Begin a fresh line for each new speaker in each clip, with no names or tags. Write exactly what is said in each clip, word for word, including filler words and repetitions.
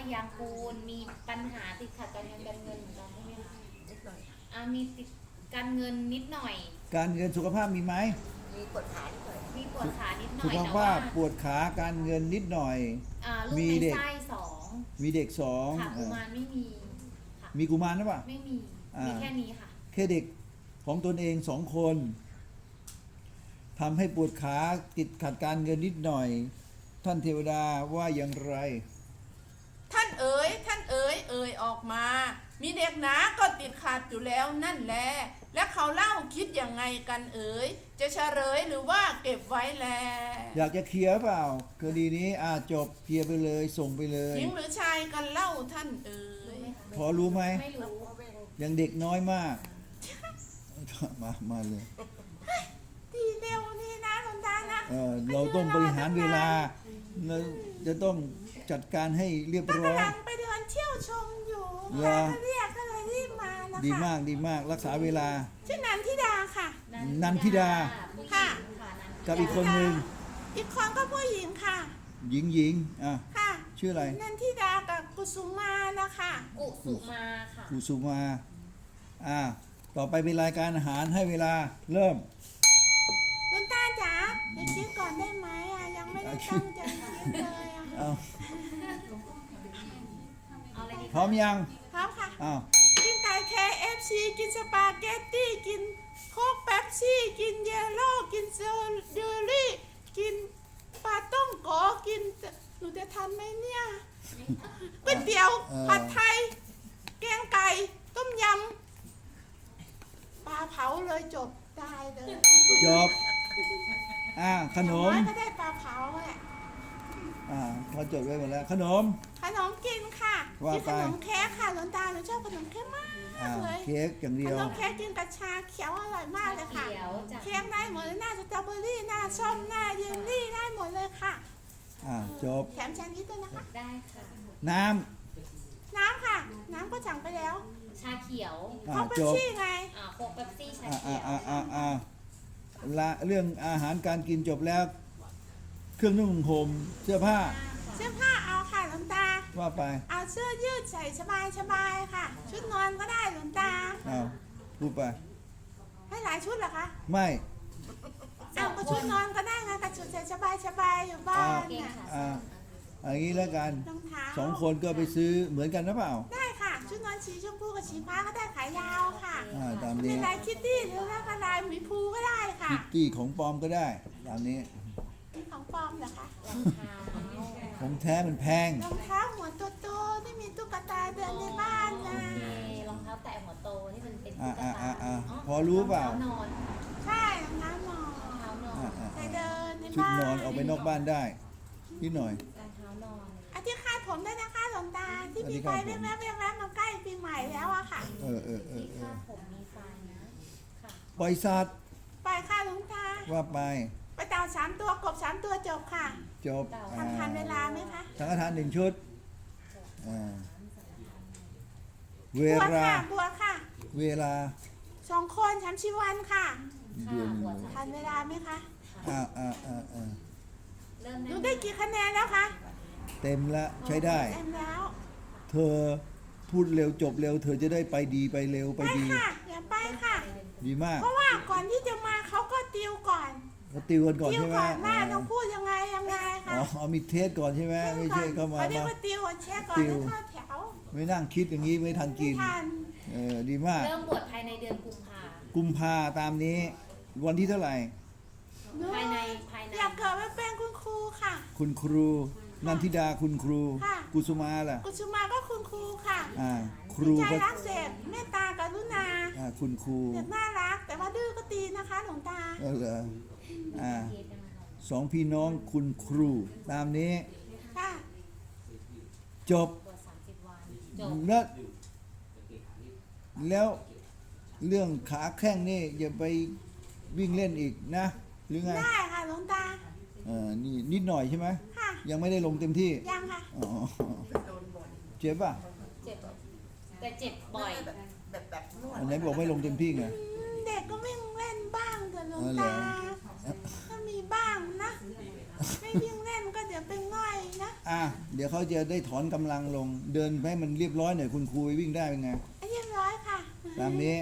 ยางกูลมีปัญหาติดขัดการเงินการเงินเหมือนกันใช่ไหมคะ
นิดหน่อย
อ่ามีติดการเงินนิดหน่อย
การเงินสุขภาพมีไหม
มีปวดขานิดหน่อย
มีปวดขานิดหน่
สุ
อย
ข
แต่
ภา
ว่า
พปวดขาการเงินนิดหน่อย
อ่าลูก
มี
ใน
เด็ก
ไส้สอง
มีเด็กสอง
ค่ะ
เอ
กุ
อ
มารไม่มีค่ะ
มีกุมารหรือเปล่า
ไม่มี
อ่ามี
มีแค่นี้ค่ะ
แค่เด็กของตนเองสองคนทำให้ปวดขาติดขัดการเงินนิดหน่อย ท่านเทวดาว่าอย่างไร
ท่านเอ๋ยท่านเอ๋ยเอ๋ยออกมา มีเด็กหนาก็ติดขัดอยู่แล้วนั่นแหละและเขาเล่าคิดยังไงกันเอ๋ยจะเฉลยหรือว่าเก็บไว้แล
อยากจะเคลียร์เปล่าคดีนี้อ่าจบเคลียร์ไปเลยส่งไปเลย
หญิงหรือชายกันเล่าท่านเอ๋ย
พอรู้ไหม
ไม่รู้
ยังเด็กน้อยมาก มามาเลย
ดีเร็วนี่นะหลวงตานะ
เออเราต้องบริหารเวลาเราจะต้องจัดการให้เรียบร้อย
กำลังไปเดินเที่ยวชมอยู่
เหรอ
ใครก็เรียกก็เลยรีบมานะคะ
ดีมากดีมากรักษาเวลา
ชื่อนันทิดาค่ะ
นันทิดา
ผู้หญิง
ค่ะ
ค่ะนันทิดา
กับอีกคนหนึ่ง
อีกคนก็ผู้หญิงค่ะ
หญิงหญิงอ่ะ
ค่ะ
ชื่ออะไร
นันทิดากับกุสุมานะคะ
กุสุมาค่ะ
กุสุมาอ่าต่อไปเป็นรายการอาหารให้เวลาเริ่ม
หลวงตาจ๋าเดี๋ยวคิดก่อนได้ไหมอ่ะยังไม่ได้ตั้งใจคิดเลยอ่ะ
เอา
เอาอะไรดี
พร้อมยัง
พร้อมค่ะ
อ้าว
กินไก่ เค เอฟ ซี กินสปาเกตตี้ กินโค้กเป๊ปซี่ กินเยลโล่ กินเซอร์เดอรี่ กินปลาต้มโกกินหนูจะทันไหมเนี่ยก๋วยเตี๋ยว ผัดไทย แกงไก่ ต้มยำ ปลาเผาเลยจบได้เลย
จบอ่าขนม
อย่างอยก็ได้ปลาเผาแหละ
อ่าเขาจดไว้หมดแล้วขนม
ขนมกินค่ะ
ว่า
กิน
ไป
ขนมเค้กค่ะหลวงตาหนูชอบขนมเค้กมาก
อ่า
เลย
เค้กอย่าง
ข
เดีย
น
ว
มเค้กกินกับชาเขียวอร่อยมากเลยค่ะ
เขียวจาก
เค้กได้หมดเลยหน้าสตรอเบอรี่หน้าส้มหน้าเยลลี่ได้หมดเลยค่ะ
อ่าจบ
แถมแซนด์วิชด้วยนะคะ
ได้ค่ะ
น้
น้ำค่ะ น้ำก็สั่งไปแล้ว
ชาเขียว
ำอ่า
เขาเป็น
จบ
ชี่ไง
อ่าโค้กเป๊ปซี่ชา
อ่า
เขี
อ่า
ยว
อ่าอ่าอ่าละเรื่องอาหารการกินจบแล้ว เครื่องนุ่งห่มเสื้อผ้า
เสื้อผ้าเอาค่ะหลวงตา
ว่าไป
เอาเสื้อยืดใส่สบายสบายๆค่ะ ชุดนอนก็ได้หลวงตา
อ้าวพูดไป
ให้หลายชุดเหรอคะ
ไม่
เอาก็ชุดนอนก็ได้ไงกับชุดใส่สบายสบายๆอยู่บ้าน
เก่ง
น่ะ
ค่ะ
อ่าอย่างนี้แล้วกัน
รองเท้า
สองคนก็ไปซื้อเหมือนกันหรือเปล่า
ได้ค่ะ ชุดนอนสีชมพูกับสีฟ้าก็ได้ขายาวค่ะ
อ่าตาม
เป็
นี้
นลายคิตตี้หรือว่าลายหมีภูก็ได้ค่ะ
คิตตี้ของปลอมก็ได้ตามนี้
มีของปลอมเหรอคะ
รองเท้า
ของแท้มันแพง
รองเท้าหัวโตๆที่มีตุ๊กตาเดินในบ้าน
โอ
นะ
เครองเท้าแตะหัวโตที่มันเป็น
อ่า
ตุ๊ก
อ่า
ตา
อ่าอ่าพอรู้เปล่า
รองเท้านอน
ใช่รองเท้านอน
รองเท้านอน
อ่าอ่า
ไป
อ่า
เดินใน
ชุด
บ้าน
นอนออกไปนอกบ้านได้นิดหน่อย
รองเท้านอน
อาที่คาดผมด้วยนะคะหลวงตาที่
อันนี้
มีไฟ
คาดผม
แวบๆแวบๆมาใกล้ปีใหม่แล้วอะค่ะ
เออเออเออ
ที่
เอ
คา
อ
ดผมมีไฟนะค่ะ
ปล่อยสัตว์
ไปค่ะหลวงตา
ว่าไป
ไปเต่าสามตัวกบสามตัวจบค่ะ
จบอ่า
ทำทันเวลาไหมคะ
สังฆทานหนึ่งชุดอ่าเว
บัว
ลา
ค่ะบัวค่ะ
เวลา
สองคนสามชีวันค่ะ
เดือนหนึ่งเลย
ทันเวลาไหมคะ
อ่าอ่าอ่าอ่า
เริ่ม
ห
ได้
นูได้กี่คะแนนแล้วคะ
เต็มละใช้ได้
เต็มแล้ว
เธอพูดเร็วจบเร็ว เธอจะได้ไปดีไปเร็วไป
ไป
ดี
ค่ะอย่าไปค่ะ
ดีมาก
เพราะว่าก่อนที่จะมาเขาก็ติวก่อน
เขาติวกันก่อน
ติว
ใช่ไหม
ก่อนว่า
อ่า
ต้องพูดยังไงยังไง
อ๋
ค่ะ
อเอามีเทสก่อนใช่ไหมไม่ใช่เข้ามา
เขาเรียก
มา
ว่าติวก่อนเช็คก่อน
ติว
แล้วเข้าแถว
ไม่นั่งคิดอย่างนี้ไม่ทัน
ไม่
กิน
ทัน
เออดีมาก
เริ่มบวชภายในเดือนกุมภา
กุมภาตามนี้ วันที่เท่าไหร่
หนู
ภายในภายใน
อยากเกิดมาเป็นคุณครูค่ะ
คุณครูนันทิดาคุณครู
ค่ะ
กุสุมาล่ะ
กุสุมาก็คุณครูค่ะ
อ่า ครู
ใจ
ก็
รักเสพเมตตากรุณา
อ่าคุณครู
เด็กน่ารัก แต่ว่าดื้อก็ตีนะคะหลวงตา
เออเหรออ่า
เทศนะคะ
สองพี่น้องคุณครูตามนี้
ค่ะ
จบ
บวชสามสิบวันจบ
แล้วแล้วเรื่องขาแข้งนี่อย่าไปวิ่งเล่นอีกนะ หรือไง
ได้ค่ะหลวงตา
เออนี่นิดหน่อยใช่ไหม
ค่ะ
ยังไม่ได้ลงเต็มที่
ยังค่ะ
อ๋อเจ็บป่ะ
เจ็บแต่เจ็บบ่อย
แบบแบบแบบนวด
อันไหนบอกไม่ลงเต็มที่ไง
อืมเด็กก็วิ่งเล่นบ้างแต่หลวง
อ๋อเหรอ
ตา ก็มีบ้างนะ ไม่วิ่งเล่นก็เดี๋ยวเป็นง่อยนะ
อ่ะเดี๋ยวเขาจะได้ถอนกำลังลง เดินให้มันเรียบร้อยหน่อยคุณครูวิ่งได้เป็นไง
เรียบร้อยค่ะ
ตามนี้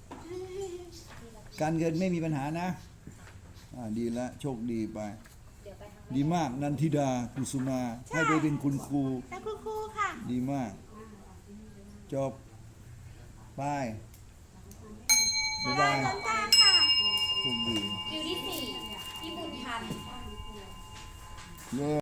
การเงินไม่มีปัญหานะอ่าดีแล้วโชคดีไป
เดี๋ยวไปทาง
ดีมากนันทิดากุสุมา ให้ไปเป็นคุณครู
แล้วคุณครูค่ะ
ดีมาก จบไปบ๊ายบาย
หลวงตาค่ะ
โชคดี
คิวที่สี่พี่บุญทัน
เย้